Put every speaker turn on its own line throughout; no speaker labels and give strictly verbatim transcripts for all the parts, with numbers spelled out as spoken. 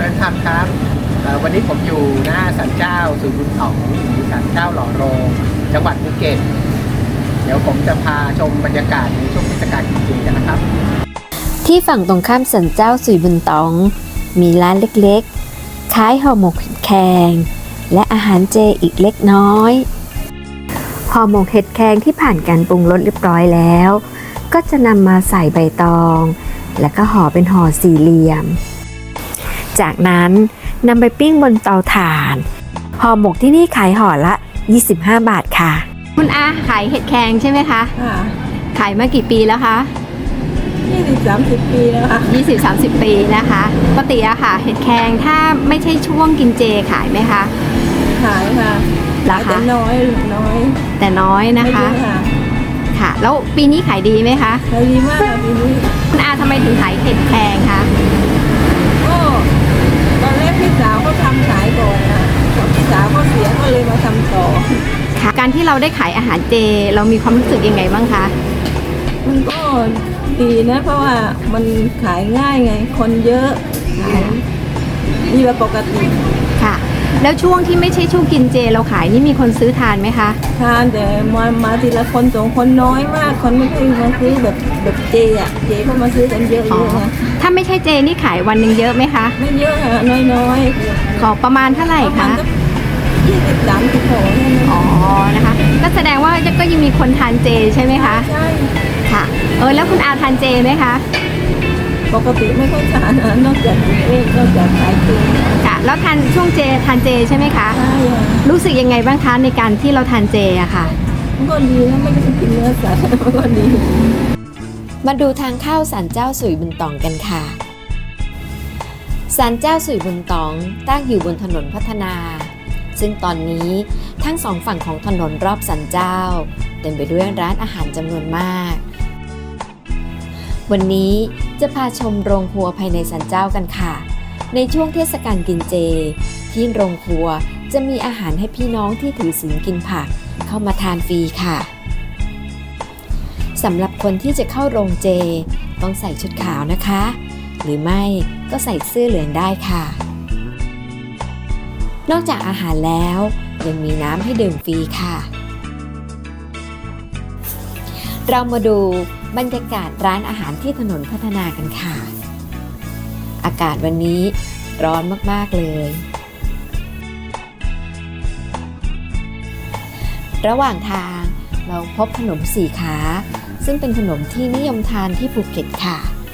ริญธรรมครับเอ่อวันนี้ผมอยู่หน้าศาลเจ้าสุบุญต๋องหรือศาลเจ้าหล่อโรงจังหวัดภูเก็ตเดี๋ยวผมจะพาชมบรรยากาศในช่วงเทศกาลกินเจกันนะครับ
ที่ฝั่งตรงข้ามศาลเจ้าสุยบุญต๋องมีร้านเล็กๆขายห่อหมกเห็ดแครงและอาหารเจอีกเล็กน้อยห่อหมกเห็ดแครงที่ผ่านการปรุงรสเรียบร้อยแล้วก็จะนำมาใส่ใบตองแล้วก็ห่อเป็นห่อสี่เหลี่ยมจากนั้นนำไปปิ้งบนเตาถ่านห่อหมกที่นี่ขายห่อละยี่สิบห้าบาทค่ะคุณอาขายเห็ดแครงใช่ไหมคะ
ค่ะ
ขายมากี่ปีแล้วคะ
ยี่สิบสามสิบปีแล้วค่ะ
ยี่สิบสามสิบปีนะคะปกติอะค่ะเห็ดแครงถ้าไม่ใช่ช่วงกินเจขายไหมคะ
ขายค่ะ
ราคา
แต่น้อยน้อย
แต่น้อยนะคะค่ะแล้วปีนี้ขายดีไหมคะ
ขายดีมากค่ะปีนี้
คุณอาทำไมถึงขายเห็ดแครงคะ
ก็ตอนแรกพี่สาวเขาทำขายก่อนนะพี่สาวเขาเสียก็เลยมาทำต่อ
ค่ะการที่เราได้ขายอาหารเจเรามีความรู้สึกยังไงบ้างคะ
มันก็ดีนะเพราะว่ามันขายง่ายไงคนเยอะขายดีกว่าปกติ
ค่ะแล้วช่วงที่ไม่ใช่ช่วงกินเจเราขายนี่มีคนซื้อทานไหมคะ
ทานแต่มามาทีละคนสองคนน้อยมากคนไม่เคยมาซื้อแบบแบบเจอ่ะเจเขามาซื้อกันเยอะๆนะ
ถ้าไม่ใช่เจนี่ขายวันหนึ่งเยอะไหมคะ
ไม่เยอะค่ะน้อย
ๆขอประมาณเท่าไหร่คะ
ยี่สิบสามสิบหก
อ๋อนะคะก็แสดงว่าก็ยังมีคนทานเจใช่ไหมคะ
ใช่
ค่ะเออแล้วคุณอาทานเจไหมคะ
ปกติไม่ค่อยทานนะนอกจากเองนอกจากขายเจ
ค่ะแล้วทานช่วงเจทานเจใช่ไหมคะ
ใช่
รู้สึกยังไงบ้างคะในการที่เราทานเจอะค่ะ
มันก็ดีนะไม่ต้องกินเนื้อสัตว์มันก็ดี
มาดูทางเข้าศาลเจ้าสุยบุญต๋องกันค่ะศาลเจ้าสุยบุญต๋องตั้งอยู่บนถนนพัฒนาซึ่งตอนนี้ทั้งสองฝั่งของถนนรอบศาลเจ้าเต็มไปด้วยร้านอาหารจำนวนมากวันนี้จะพาชมโรงครัวภายในศาลเจ้ากันค่ะในช่วงเทศกาลกินเจที่โรงครัวจะมีอาหารให้พี่น้องที่ถือศีลกินผักเข้ามาทานฟรีค่ะสำหรับคนที่จะเข้าโรงเจต้องใส่ชุดขาวนะคะหรือไม่ก็ใส่เสื้อเหลืองได้ค่ะนอกจากอาหารแล้วยังมีน้ำให้ดื่มฟรีค่ะเรามาดูบรรยากาศร้านอาหารที่ถนนพัฒนากันค่ะอากาศวันนี้ร้อนมากๆเลยระหว่างทางเราพบขนมสี่ขาซึ่งเป็นขนมที่นิยมทานที่ภูเก็ตค่ะ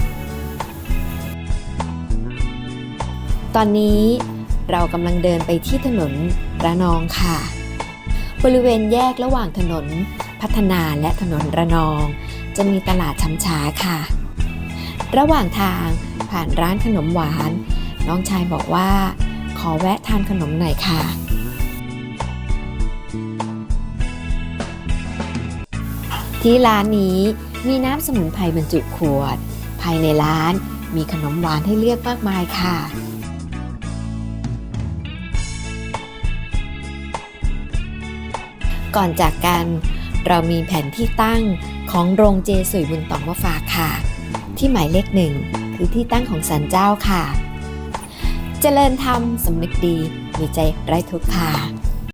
ตอนนี้เรากำลังเดินไปที่ถนนระนองค่ะบริเวณแยกระหว่างถนนพัฒนาและถนนระนองจะมีตลาดช้ำช้าค่ะระหว่างทางผ่านร้านขนมหวานน้องชายบอกว่าขอแวะทานขนมหน่อยค่ะที่ร้านนี้มีน้ำสมุนไพรบรรจุขวดภายในร้านมีขนมหวานให้เลือกมากมายค่ะก่อนจากกันเรามีแผนที่ตั้งของโรงเจสุยบุญต๋องมาฝากค่ะที่หมายเลขหนึ่งคือที่ตั้งของศาลเจ้าค่ะเจริญธรรมสำนึกดีมีใจไร้ทุกข์ค่ะ